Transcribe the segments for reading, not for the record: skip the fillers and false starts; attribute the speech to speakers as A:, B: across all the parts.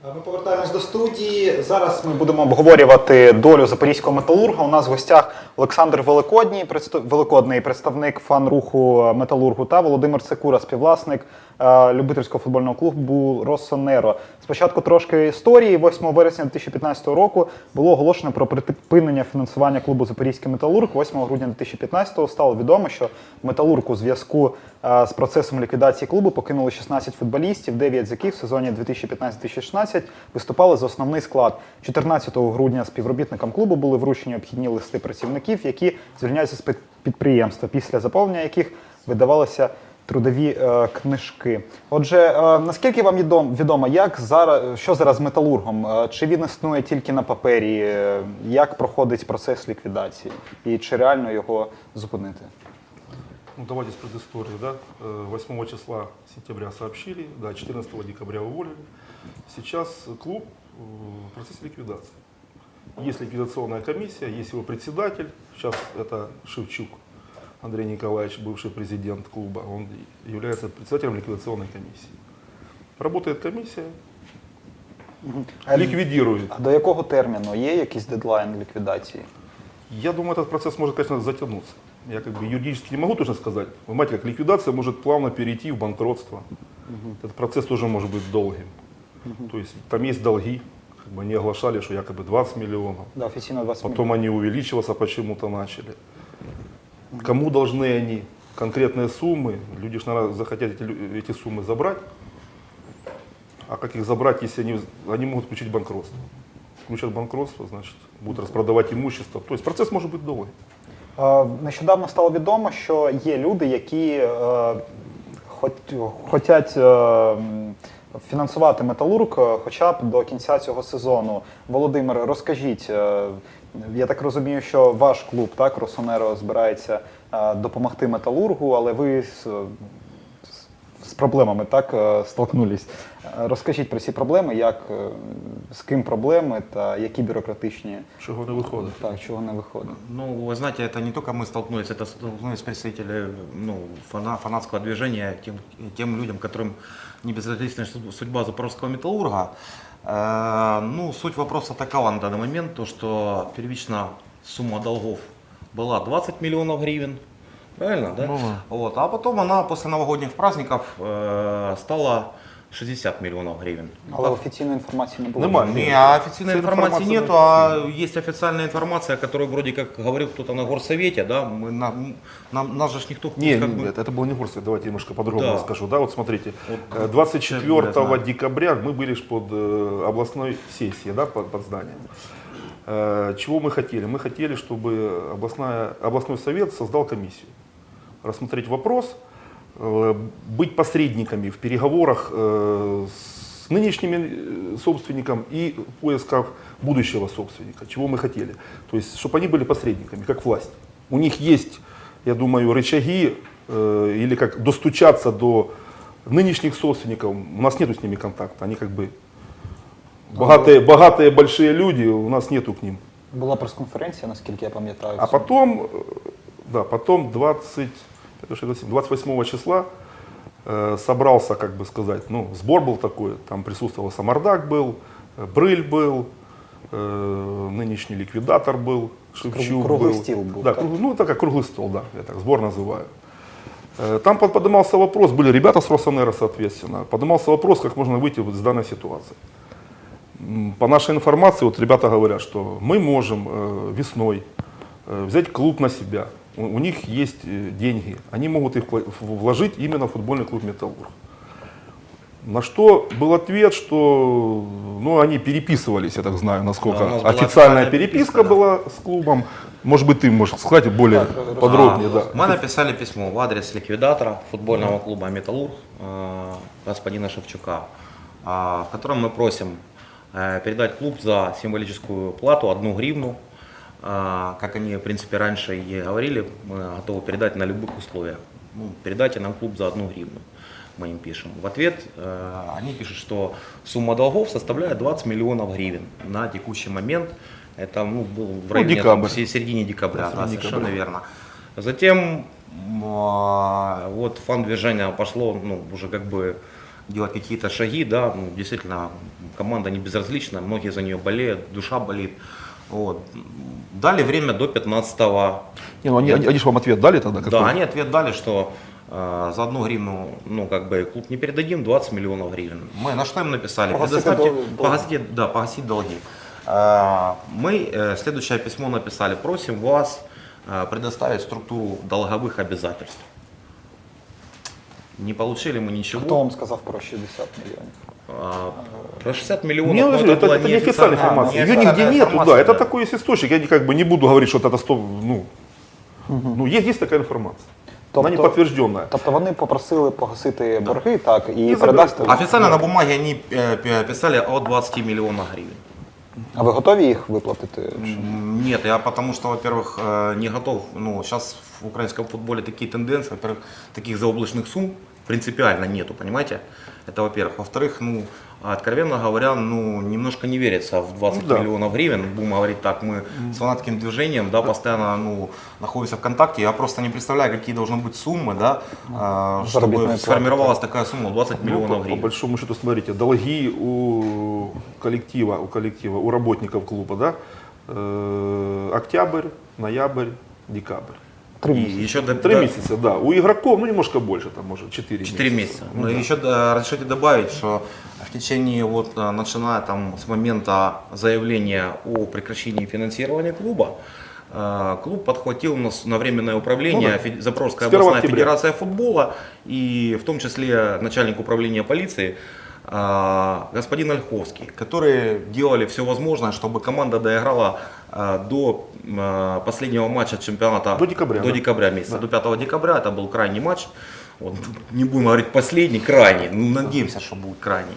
A: Ми повертаємось до студії. Зараз ми будемо обговорювати долю запорізького металурга. У нас в гостях Олександр Великодний, представник фан-руху металургу, та Володимир Секура, співвласник любительського футбольного клубу «Росонеро». Спочатку трошки історії. 8 вересня 2015 року було оголошено про припинення фінансування клубу «Запорізький металург». 8 грудня 2015 стало відомо, що металург у зв'язку з процесом ліквідації клубу покинули 16 футболістів, 9 з яких в сезоні 2015-2016 виступали за основний склад. 14 грудня співробітникам клубу були вручені обхідні листи працівників, які звільняються з підприємства, після заповнення яких видавалися трудові книжки. Отже, наскільки вам відомо, що зараз з металургом? Чи він існує тільки на папері? Як проходить процес ліквідації? І чи реально його зупинити?
B: Ну, давайте с предыстории. Да? 8 числа сентября сообщили, да, 14 декабря уволили. Сейчас клуб в процессе ликвидации. Есть ликвидационная комиссия, есть его председатель, сейчас это Шевчук Андрей Николаевич, бывший президент клуба, он является председателем ликвидационной комиссии. Работает комиссия, ликвидирует.
A: А до якого терміну? Є якийсь дедлайн ліквідації?
B: Я думаю, этот процесс может, конечно, затянуться. Я как бы юридически не могу точно сказать. Вы понимаете, как ликвидация может плавно перейти в банкротство. Этот процесс тоже может быть долгим. То есть там есть долги, как бы они оглашали, что якобы 20 миллионов.
A: Да, офіційно 20
B: Потом они увеличиваться почему-то начали. Кому должны они конкретные суммы? Люди же, наверное, захотят эти суммы забрать. А как их забрать, если они могут включить банкротство? Включат банкротство, значит, будут распродавать имущество. То есть процесс может быть долгий.
A: Нещодавно стало відомо, що є люди, які хочуть фінансувати металург хоча б до кінця цього сезону. Володимир, розкажіть, я так розумію, що ваш клуб, так, «Росонеро», збирається допомогти металургу, але ви з проблемами, так, столкнулись. Розкажіть про ці проблеми, з ким проблеми та які бюрократичні...
B: Чего не выходит?
A: Так, чого не виходить.
C: Ну, вы знаете, это не только мы столкнулись, это столкнулись представители фанатского движения, тем людям, которым не безразлична судьба запорожского металлурга. Ну, суть вопроса такова на данный момент, то, что первично сумма долгов была 20 миллионов гривен, правильно, да? Вот, а потом она после новогодних праздников стала 60 миллионов гривен.
A: Але офіційної інформації не було.
C: Официальной информации нету, а есть официальная информация, которую вроде как говорил кто-то на горсовете, да, нас же никто...
B: Нет, это было не горсовет, давайте немножко по-другому расскажу. Да, вот смотрите, 24 декабря мы были под областной сессией, да, под зданием. Чего мы хотели? Мы хотели, чтобы областной совет создал комиссию, рассмотреть вопрос, быть посредниками в переговорах с нынешними собственником и в поисках будущего собственника, чего мы хотели. То есть, чтобы они были посредниками, как власть. У них есть, я думаю, рычаги или как достучаться до нынешних собственников. У нас нету с ними контакта, они как бы богатые большие люди, у нас нету к ним.
A: Була прес-конференція, наскільки я пам'ятаю.
B: А потом 28 числа собрался, как бы сказать, ну, сбор был такой, там присутствовал Самардак был, Брыль был, нынешний ликвидатор был, Шевчук
A: Круглый
B: был.
A: стол был.
B: Да, ну это как круглый стол, да, я так сбор называю. Там поднимался вопрос, были ребята с «Росонеро», соответственно, поднимался вопрос, как можно выйти из данной ситуации. По нашей информации, вот ребята говорят, что мы можем весной взять клуб на себя. У них есть деньги, они могут их вложить именно в футбольный клуб «Металлург». На что был ответ, что они переписывались, я так знаю, насколько официальная переписка была с клубом. Может быть, ты можешь сказать более подробнее. Да.
C: Мы написали письмо в адрес ликвидатора футбольного клуба «Металлург» господина Шевчука, в котором мы просим передать клуб за символическую плату 1 гривну. Как они, в принципе, раньше и говорили, мы готовы передать на любых условиях. Передайте нам клуб за 1 гривну, мы им пишем. В ответ они пишут, что сумма долгов составляет 20 миллионов гривен на текущий момент. Это был в районе середине декабря, да, совершенно верно. Затем вот фан-движение пошло уже как бы делать какие-то шаги, да, ну, действительно, команда не безразлична, многие за нее болеют, душа болит. Вот. Дали время до 15-го.
B: Не, ну они же вам ответ дали тогда?
C: Да, они ответ дали, что за 1 гривну, ну, как бы, клуб не передадим, 20 миллионов гривен. Мы на что им написали? Погасить долги. Мы следующее письмо написали: просим вас предоставить структуру долговых обязательств. Не получили мы ничего.
A: Хто вам сказав про 60 мільйонів?
C: Про 60 миллионов,
B: Не,
C: ну,
B: это
C: была
B: не официальная информация. Ее нигде
C: неофициальная
B: нету, да.
C: информация,
B: Это такой есть источник. Я как бы не буду говорить, что это 100, ну есть такая информация. Она не подтвержденная.
A: Тобто вони попросили погасити борги, так, і
B: І
A: передасти.
B: забрати.
C: Официально на бумаге они писали о 20 миллионах гривен.
A: А ви готові їх виплатити?
C: Нет, я потому что, во-первых, не готов. Ну, сейчас в украинском футболе такие тенденции, во-первых, таких заоблачных сумм принципиально нету, понимаете? Это во-первых. Во-вторых, ну, откровенно говоря, ну, немножко не верится в 20 миллионов гривен. Будем говорить так, мы с фанатским движением, да, постоянно, ну, находимся в контакте. Я просто не представляю, какие должны быть суммы, да, чтобы сформировалась такая сумма, 20 миллионов
B: По
C: гривен.
B: большому счету, смотрите, долги у коллектива, у работников клуба, да, октябрь, ноябрь, декабрь.
A: 3
C: И
A: місяці.
C: еще
B: 3 месяца, да. У игроков, ну, немножко больше, там, может, 4 месяца.
C: 4 месяца.
B: Ну,
C: Но
B: да.
C: еще разрешите добавить, что в течение, вот, начиная там с момента заявления о прекращении финансирования клуба, клуб подхватил на временное управление Запорожская
B: С 1
C: областная
B: октября.
C: федерация футбола и в том числе начальник управления полиции господин Ольховский, которые делали все возможное, чтобы команда доиграла до последнего матча чемпионата
B: До декабря,
C: до
B: да.
C: декабря месяца, до 5 декабря. Это был крайний матч. Вот, не будем говорить последний, крайний. Ну, надеемся, что будет крайний.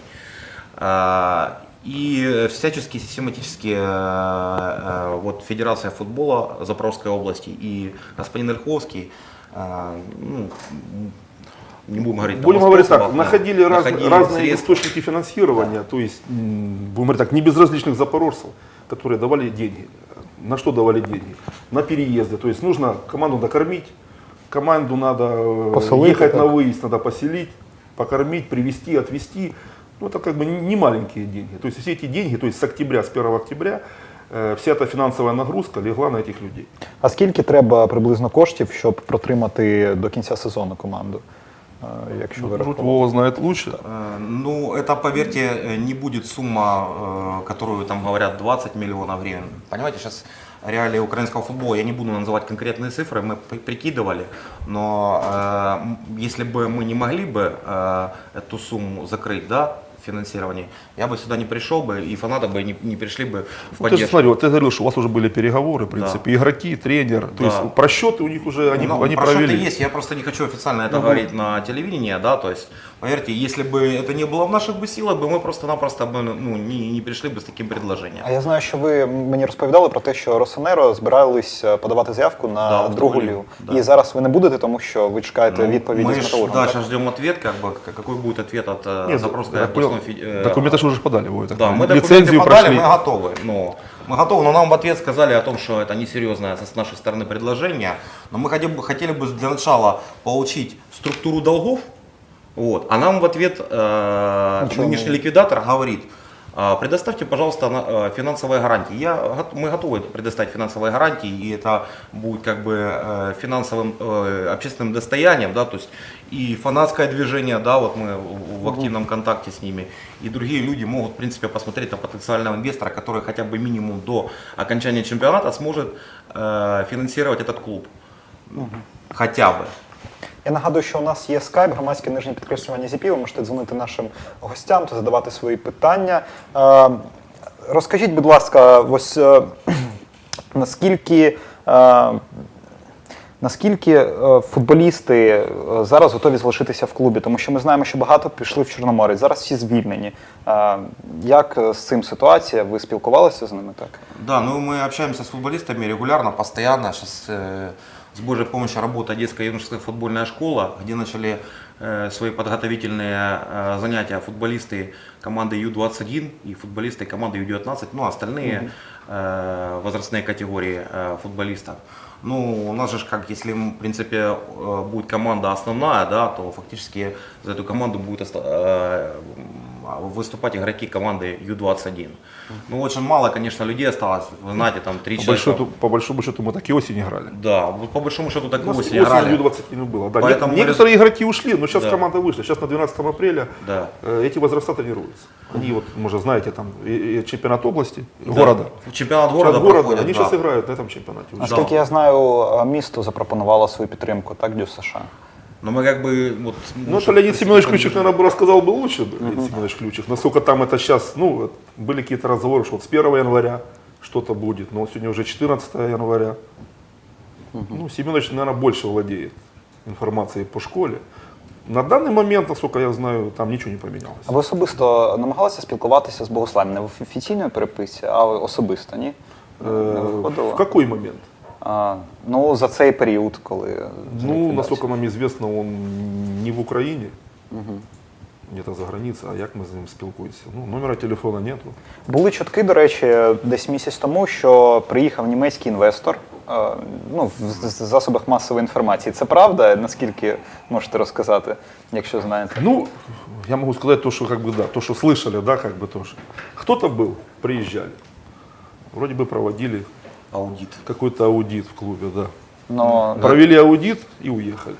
C: И всячески, систематически вот, Федерация футбола Запорожской области и господин Ольховский, ну, не будем говорить,
B: Будем
C: там,
B: говорить так,
C: способах,
B: находили разные
C: средства.
B: источники финансирования, то есть, будем говорить так, не безразличных запорожцев, которые давали деньги. На что давали деньги? На переезды. То есть нужно команду накормить, команду надо
A: Поселить,
B: ехать
A: так.
B: на выезд, надо поселить, покормить, привезти, отвезти. Ну, это как бы не маленькие деньги. То есть все эти деньги, то есть с октября, с 1 октября, вся эта фінансова нагрузка легла на этих людей.
A: А скільки треба приблизно коштів, щоб протримати до кінця сезону команду? Якщо ви
B: Тут
A: рахували?
B: Вова знает лучше.
C: Ну, это, поверьте, не будет сумма, которую там говорят 20 миллионов гривен. Понимаете, сейчас реалии украинского футбола, я не буду называть конкретные цифры, мы прикидывали, но если бы мы не могли бы эту сумму закрыть, да, финансирование, я бы сюда не пришел бы, и фанаты бы не пришли бы в
B: Ну, ты же
C: поддержку.
B: смотри, вот ты говорил, что у вас уже были переговоры, в принципе, игроки, тренер, то
C: Да.
B: есть просчеты у них уже, они
C: Просчеты
B: провели.
C: есть, я просто не хочу официально это говорить на телевидении, да, то есть, поверьте, если бы это не было в наших бы силах, бы мы просто-напросто бы, ну, не пришли бы с таким предложением.
A: А я знаю, що ви мені розповідали про те, що Росонеро збирались подавати заявку на
C: Да, в
A: другу
C: другу
A: лігу.
C: да.
A: І зараз ви не будете, тому що ви чекаєте
C: Ну,
A: відповіді
C: мы
A: з Металургом.
C: да,
A: так?
C: сейчас ждем ответ, как бы, какой будет ответ от
B: Нет,
C: Запорожской
B: я понял.
C: областной
B: Документы же уже подали, Вова, я так
C: Да, мы
B: понимаю.
C: документы
B: Лицензию
C: подали,
B: прошли.
C: мы готовы. Мы готовы, но нам в ответ сказали о том, что это несерьезное с нашей стороны предложение. Но мы хотели бы для начала получить структуру долгов, вот, а нам в ответ нынешний ликвидатор говорит: предоставьте, пожалуйста, финансовые гарантии. Мы готовы предоставить финансовые гарантии, и это будет как бы финансовым общественным достоянием, да, то есть и фанатское движение, да, вот мы в активном контакте с ними, и другие люди могут, в принципе, посмотреть на потенциального инвестора, который хотя бы минимум до окончания чемпионата сможет финансировать этот клуб. Хотя бы.
A: Я нагадую, що у нас є скайп, громадське нижнє підкреслювання ЗІПІ, ви можете дзвонити нашим гостям та задавати свої питання. Розкажіть, будь ласка, ось наскільки футболісти зараз готові залишитися в клубі? Тому що ми знаємо, що багато пішли в Чорноморець, зараз всі звільнені. Як з цим ситуація? Ви спілкувалися з ними, так?
C: Да, ну мы общаемся с футболистами регулярно, постоянно. Сейчас с Божьей помощью работает детская юношеская футбольная школа, где начали свои подготовительные занятия футболисты команды Ю-21 и футболисты команды Ю-19, ну остальные возрастные категории футболистов. Ну, у нас же, как если, в принципе, будет команда основная, да, то фактически за эту команду будут выступать игроки команды Ю-21. Ну, очень мало, конечно, людей осталось. Вы знаете, там 3 человека.
B: По большому счету мы так и осень играли.
C: Да, вот по большому счету так и
B: У нас
C: осень играли.
B: Ю-20 не было. Да.
C: Поэтому
B: Некоторые игроки ушли, но сейчас
C: Да.
B: команда вышла. Сейчас на 12 апреля
C: Да.
B: эти возраста тренируются. Они вот, может, знаете, там и чемпионат области, города.
C: Чемпионат города
B: Чемпионат
C: проходит,
B: они
C: да.
B: сейчас играют на этом чемпионате. уже.
A: Наскільки я знаю, місто запропонувало свою підтримку, так, Дю США.
C: Но мы как бы вот...
B: Ну, это Леонид Семенович Ключик, наверное, бы рассказал бы лучше, Леонид Семенович Ключик. Насколько там это сейчас, ну, вот были какие-то разговоры, что вот с 1 января что-то будет, но сегодня уже 14 января. Ну, Семенович, наверное, больше владеет информацией по школе. На данный момент, насколько я знаю, там ничего не поменялось.
A: А ви особисто намагалися спілкуватися з Богославом? Не в офіційній переписці, а особисто, ні? Не виходило?
B: В какой момент?
A: Ну, за цей період, коли...
B: Ну, насколько нам известно, он не в Украине, где-то за границей, а як ми з ним спілкуємося? Ну, номера телефона нету.
A: Були чутки, до речі, десь місяць тому, що приїхав німецький інвестор, ну, в засобах масової інформації. Це правда? Наскільки можете розказати, якщо знаєте?
B: Ну, я могу сказать то, что как бы да, то, что слышали, да, как бы то, что кто-то был, приезжали, вроде бы проводили
C: Аудит.
B: какой-то аудит в клубе, да.
A: Но,
B: Провели аудит и уехали.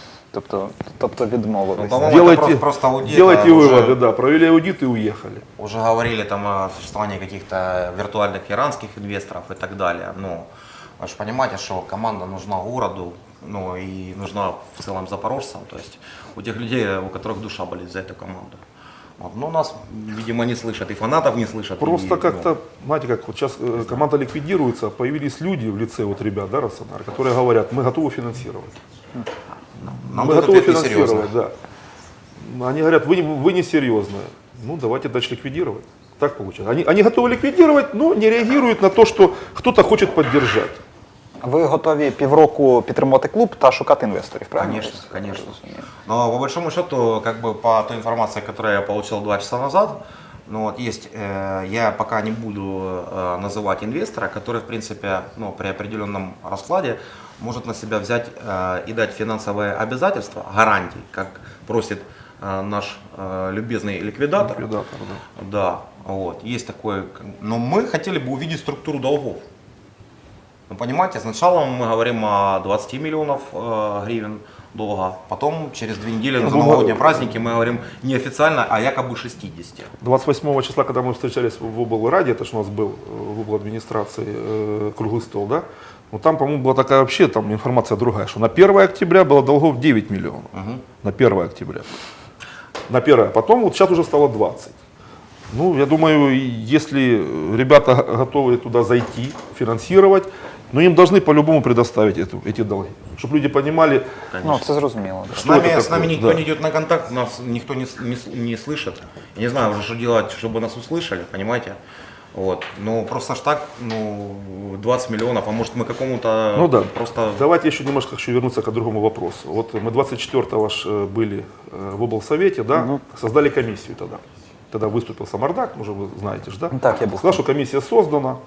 A: тобто відмовились.
C: Ну, по-моему,
B: Делайте,
C: просто аудит,
B: делайте
C: а уже-
B: выводы, да, провели аудит и уехали.
C: Уже говорили там о существовании каких-то виртуальных иранских инвесторов и так далее. Ну, вы же понимаете, что команда нужна городу, ну и нужна в целом запорожцам, то есть у тех людей, у которых душа болит за эту команду. Вот. Но нас, видимо, не слышат, и фанатов не слышат.
B: Просто
C: и,
B: как-то, знаете, как вот сейчас команда ликвидируется, появились люди в лице вот ребят, да, Росонар, которые говорят, мы готовы финансировать.
C: нам
B: Мы
C: дают
B: готовы
C: ответ несерьезно.
B: финансировать, да. Они говорят, вы несерьезные. Ну, давайте дальше ликвидировать. Так получается. Они готовы ликвидировать, но не реагируют на то, что кто-то хочет поддержать.
A: Ви готові півроку підтримувати клуб та шукати інвесторів, правильно?
C: Конечно, конечно. Но по большому счету, как бы по той информации, которую я получил 2 часа назад, ну вот есть, я пока не буду называть инвестора, который, в принципе, ну, при определенном раскладе может на себя взять и дать финансовые обязательства, гарантии, как просит наш любезный ликвидатор.
B: Ликвидатор, да.
C: Да, вот, есть такой. Но мы хотели бы увидеть структуру долгов. Ну, понимаете, сначала мы говорим о 20 миллионов гривен долга, потом через 2 недели на новогодние праздники мы говорим неофициально, а якобы 60.
B: 28 числа, когда мы встречались в облраде, это же у нас был в обладминистрации круглый стол, да? Ну там, по-моему, была такая вообще там информация другая, что на 1 октября было долгов 9 миллионов. На 1 октября. На 1. Потом вот сейчас уже стало 20. Ну, я думаю, если ребята готовы туда зайти, финансировать, но им должны по-любому предоставить эти долги. Чтобы люди понимали,
A: Ну, це зрозуміло. Да.
C: С нами
B: такое?
C: никто
B: Да.
C: не идет на контакт, нас никто не слышит. Я не знаю уже, что делать, чтобы нас услышали, понимаете? Вот. Ну, просто ж так, ну, 20 миллионов, а может мы какому-то
B: ну да,
C: просто...
B: давайте еще немножко хочу вернуться к другому вопросу. Вот мы 24-го были в облсовете, да, создали комиссию тогда. Тогда выступил Самардак, уже вы знаете же, да?
A: Так, я был.
B: Сказал, что комиссия создана.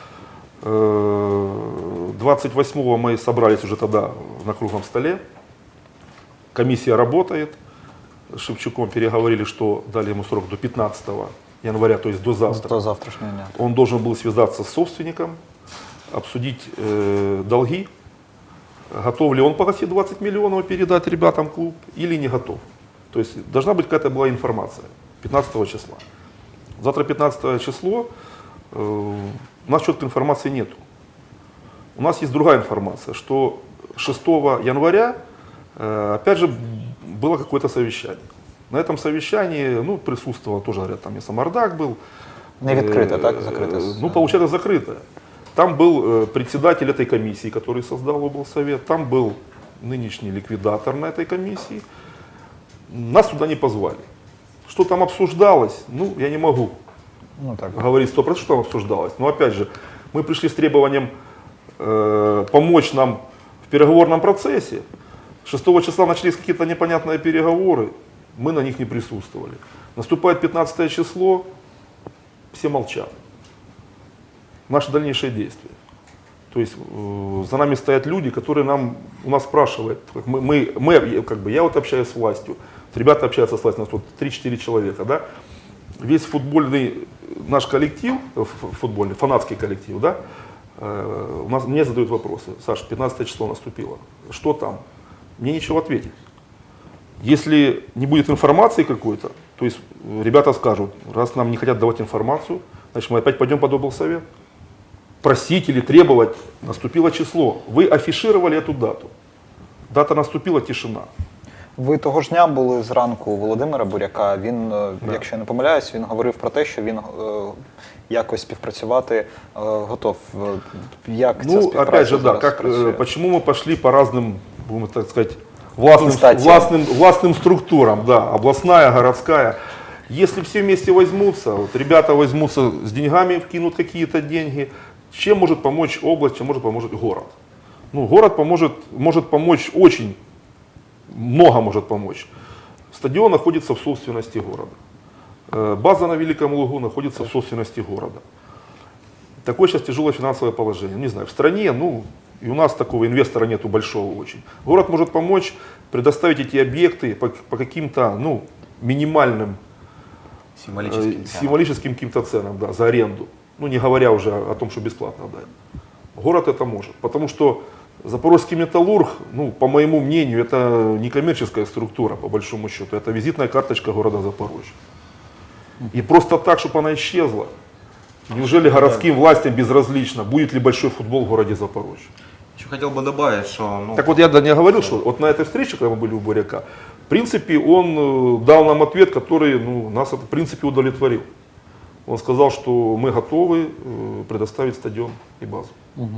B: 28-го мы собрались уже тогда на круглом столе. Комиссия работает. С Шевчуком переговорили, что дали ему срок до 15 января, то есть до завтра.
A: До завтрашнього дня.
B: Он должен был связаться с собственником, обсудить долги, готов ли он погасить 20 миллионов и передать ребятам клуб или не готов. То есть должна быть какая-то была информация 15 числа. Завтра 15 число, у нас четкой информации нету. У нас есть другая информация, что 6 января, опять же, было какое-то совещание. На этом совещании, ну, присутствовал тоже, говорят, там и Самардак был.
A: Не відкрите, так? Закрите?
B: Ну, получается, закрытое. Там был председатель этой комиссии, который создал облсовет, там был нынешний ликвидатор на этой комиссии. Нас туда не позвали. Что там обсуждалось, ну, я не могу
A: Ну, так.
B: говорить 100%, что там обсуждалось. Но опять же, мы пришли с требованием помочь нам в переговорном процессе. 6 числа начались какие-то непонятные переговоры, мы на них не присутствовали. Наступает 15 число, все молчат. Наши дальнейшие действия. То есть за нами стоят люди, которые у нас спрашивают. Я вот общаюсь с властью, ребята общаются с властью, у нас тут 3-4 человека. Да? Весь футбольный наш коллектив, футбольный, фанатский коллектив, да, мне задают вопросы. Саш, 15 число наступило, что там? Мне нечего ответить. Если не будет информации какой-то, то есть ребята скажут, раз нам не хотят давать информацию, значит мы опять пойдем под облсовет. Просить или требовать, наступило число. Ви афішували цю дату. Дата наступила, тишина.
A: Ви того ж дня були зранку у Володимира Буряка. Він, якщо я не помиляюсь, він говорив про те, що він якось співпрацювати готов. Як ця співпраця
B: опять же, да,
A: працює?
B: почему мы пошли по разным, будем так сказать, властным структурам, да, областная, городская. Если все вместе возьмутся, вот ребята возьмутся с деньгами, вкинут какие-то деньги, чем может помочь область, чем может помочь город? Ну, город может помочь очень, много может помочь. Стадион находится в собственности города. База на Великом Лугу находится в собственности города. Такое сейчас тяжелое финансовое положение. Не знаю, в стране, ну, и у нас такого инвестора нету большого очень. Город может помочь предоставить эти объекты по каким-то, ну, минимальным символическим каким-то ценам, да, за аренду. Ну, не говоря уже о том, что бесплатно дать. Город это может. Потому что Запорожский металлург, ну, по моему мнению, это не коммерческая структура, по большому счету. Это визитная карточка города Запорожья. И просто так, чтобы она исчезла. Неужели городским властям безразлично, будет ли большой футбол в городе Запорожье?
C: Еще хотел бы добавить, что... Ну,
B: так вот я не говорил, что вот на этой встрече, когда мы были у Буряка, в принципе, он дал нам ответ, который, ну, нас в принципе удовлетворил. Он сказал, что мы готовы предоставить стадион и базу.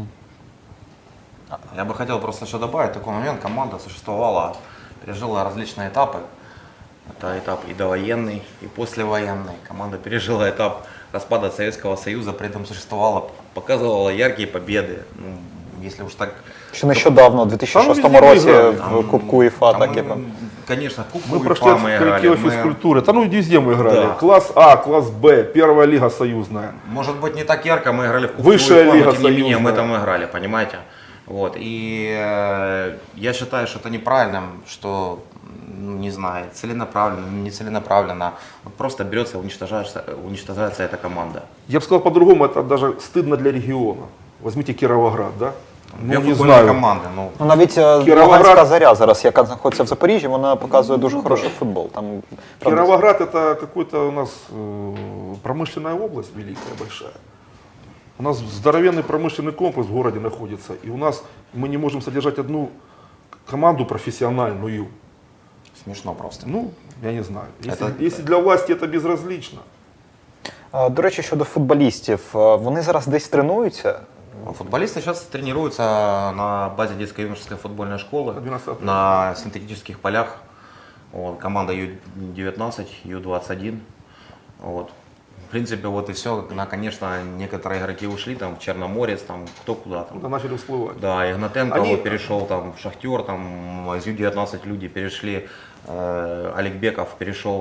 C: Я бы хотел просто еще добавить такой момент. Команда существовала, пережила различные этапы. Это этап и довоенный, и послевоенный. Команда пережила этап распада Советского Союза, при этом существовала, показывала яркие победы. Ну, если уж так...
A: Ще нещодавно, у 2006 році в Кубку УЄФА, так як ми...
C: Конечно, в Кубку
B: Мы
C: УЕФА
B: прошли
C: мы играли.
B: коллектив физкультуры. Да ну везде мы играли.
C: Да.
B: Класс А, класс Б, первая лига союзная.
C: Может быть не так ярко мы играли в Кубку
B: Высшая
C: УЕФА,
B: лига
C: но тем не менее мы
B: союзная.
C: там играли, понимаете? Вот. И я считаю, что это неправильным, что, ну, не знаю, целенаправленно, нецеленаправленно. Вот просто берется, уничтожается эта команда.
B: Я бы сказал по-другому, это даже стыдно для региона. Возьмите Кировоград, да?
C: Две
B: Ну, не
C: футбольные
B: знаю.
C: команды. Ну,
A: Ну, навіть Луганська Заря зараз, яка знаходиться в Запоріжжі, вона показує дуже хороший футбол. Там, правда,
B: Кировоград это какой-то у нас промышленная область великая, большая. У нас здоровенный промышленный комплекс в городе находится, и у нас мы не можем содержать одну команду профессиональную.
C: смешно просто.
B: Ну, я не знаю.
C: Это-
B: Если для власти это безразлично.
A: До речі, щодо футболістів, вони зараз десь тренуються?
C: Футболисты сейчас тренируются на базе детско-юношеской футбольной школы,
B: 12
C: на синтетических полях. Вот, команда Ю-19, Ю-21. Вот. В принципе, вот и все. Конечно, некоторые игроки ушли, там, в Черноморец, там, кто куда там.
B: Да, начали всплывать.
C: Да, Игнатенко
B: Они-
C: вот перешел там в Шахтер, там из Ю-19 люди перешли, Олегбеков перешел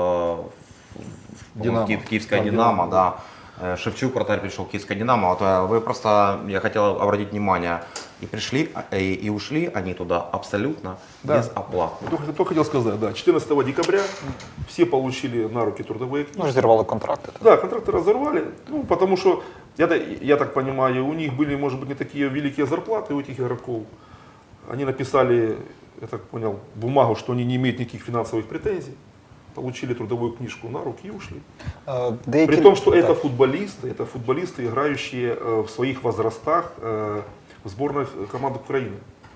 B: Динамо.
C: в Киевское
B: Да,
C: Динамо,
B: Динамо,
C: да. Шевчук, вратарь, пришел в Киевское Динамо. Вот, вы просто, я хотел обратить внимание, и пришли, и ушли они туда абсолютно
B: Да.
C: без оплаты.
B: Только хотел сказать, да, 14 декабря все получили на руки трудовые книги.
A: Ну ж зірвали контракти.
B: Да, контракты разорвали, ну, потому что, я так понимаю, у них были, может быть, не такие великие зарплаты у этих игроков. Они написали, я так понял, бумагу, что они не имеют никаких финансовых претензий, получили трудовую книжку на руки и ушли.
A: Деякі...
B: При том, что
A: Так.
B: это футболисты, играющие в своих возрастах в сборных командах Украины.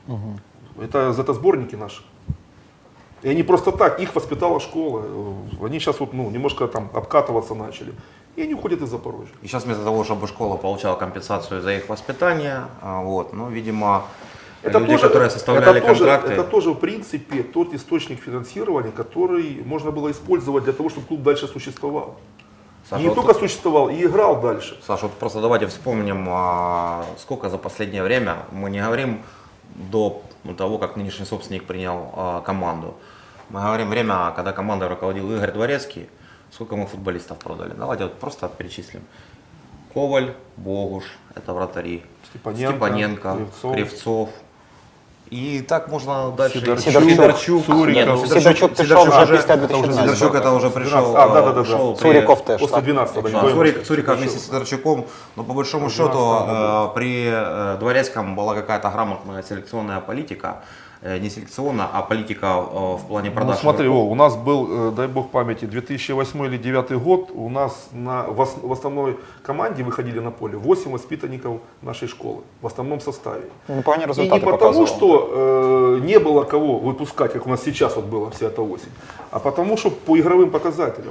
B: Это сборники наши. И они просто так, их воспитала школа. Они сейчас вот, ну, немножко там обкатываться начали. И они уходят из Запорожья.
C: И сейчас вместо того, чтобы школа получала компенсацию за их воспитание, вот, ну, видимо, люди, которые составляли контракты,
B: это тоже, в принципе, тот источник финансирования, который можно было использовать для того, чтобы клуб дальше существовал.
C: Саша,
B: Не
C: вот
B: только существовал, и играл дальше.
C: Саша, вот просто давайте вспомним, сколько за последнее время, мы не говорим до того, как нынешний собственник принял команду, мы говорим время, когда командой руководил Игорь Дворецкий, сколько мы футболистов продали. Давайте вот просто перечислим. Коваль, Богуш, это вратари.
B: Степаненко,
C: Кривцов. И так можно дальше.
B: Сидорчук, Цуриков.
A: Сидорчук пішов вже після 2012.
C: Сидорчук это уже пришел.
B: да.
C: ушел
A: Цуриков теж.
B: После
A: так?
B: 12
C: Цуриков вместе с Сидорчуком, но по большому счету при Дворецком была какая-то грамотная селекционная политика, не селекционная, а политика в плане
B: Ну,
C: продаж.
B: смотри,
C: игроков.
B: Вов, у нас был, дай бог памяти, 2008 или 2009 год, у нас в основной команде выходили на поле 8 воспитанников нашей школы, в основном составе.
A: Непогані
B: И
A: результати
B: не потому,
A: показували.
B: что не было кого выпускать, как у нас сейчас вот было вся эта осень, а потому, что по игровым показателям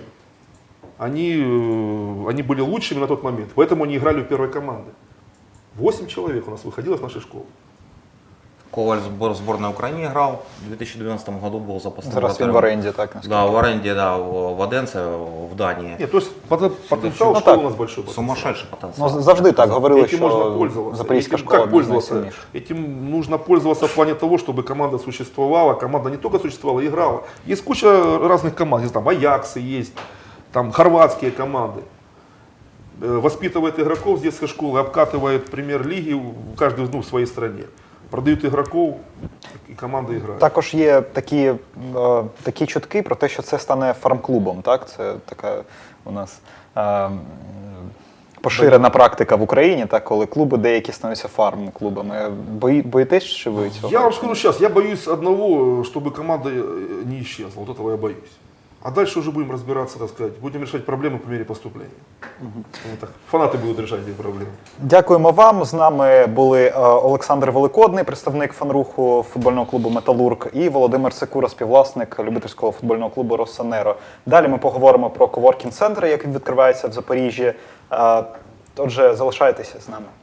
B: они были лучшими на тот момент, поэтому они играли в первой команде. 8 человек у нас выходило с нашей школы.
C: Коваль в сборной Украины играл, в 2012 году был запасным
A: Зараз він в
C: вратарем.
A: оренді, так? наскільки?
C: Да, в аренде, да, в Оденце, в Дании.
B: Нет, то есть потенциал
A: Ну,
B: школы
A: так.
B: у нас большой. потенциал.
C: Сумасшедший потенциал.
A: Ну, завжди так говорили,
B: Этим можно
A: що
B: пользоваться.
A: запорізька
B: Этим
A: школа
B: как
A: одна з
B: пользоваться?
A: найсильніших.
B: Этим нужно пользоваться в плане того, чтобы команда существовала. Команда не только существовала, играла. Есть куча разных команд. Есть там Аяксы, есть там хорватские команды. Воспитывает игроков с детской школы, обкатывает премьер-лиги каждый в своей стране. Продают игроков, и команда играет.
A: Також є такі чутки про те, що це стане фарм-клубом. Так? Це така у нас поширена практика в Україні, так, коли клуби деякі становляться фарм-клубами. Боїтесь, чи ви цього?
B: Я вам скажу сейчас, я боюсь одного, чтобы команда не исчезла. Вот этого я боюсь. А дальше уже будем разбираться, так сказать. Будем решать проблемы по мере поступления. Вот так. Фанаты будут решать эти проблемы.
A: Дякуємо вам. З нами були Олександр Великодний, представник фанруху футбольного клубу «Металург», і Володимир Секура, співвласник любительського футбольного клубу «Россонеро». Далі ми поговоримо про коворкінг-центри, який відкривається в Запоріжжі. Отже, залишайтеся з нами.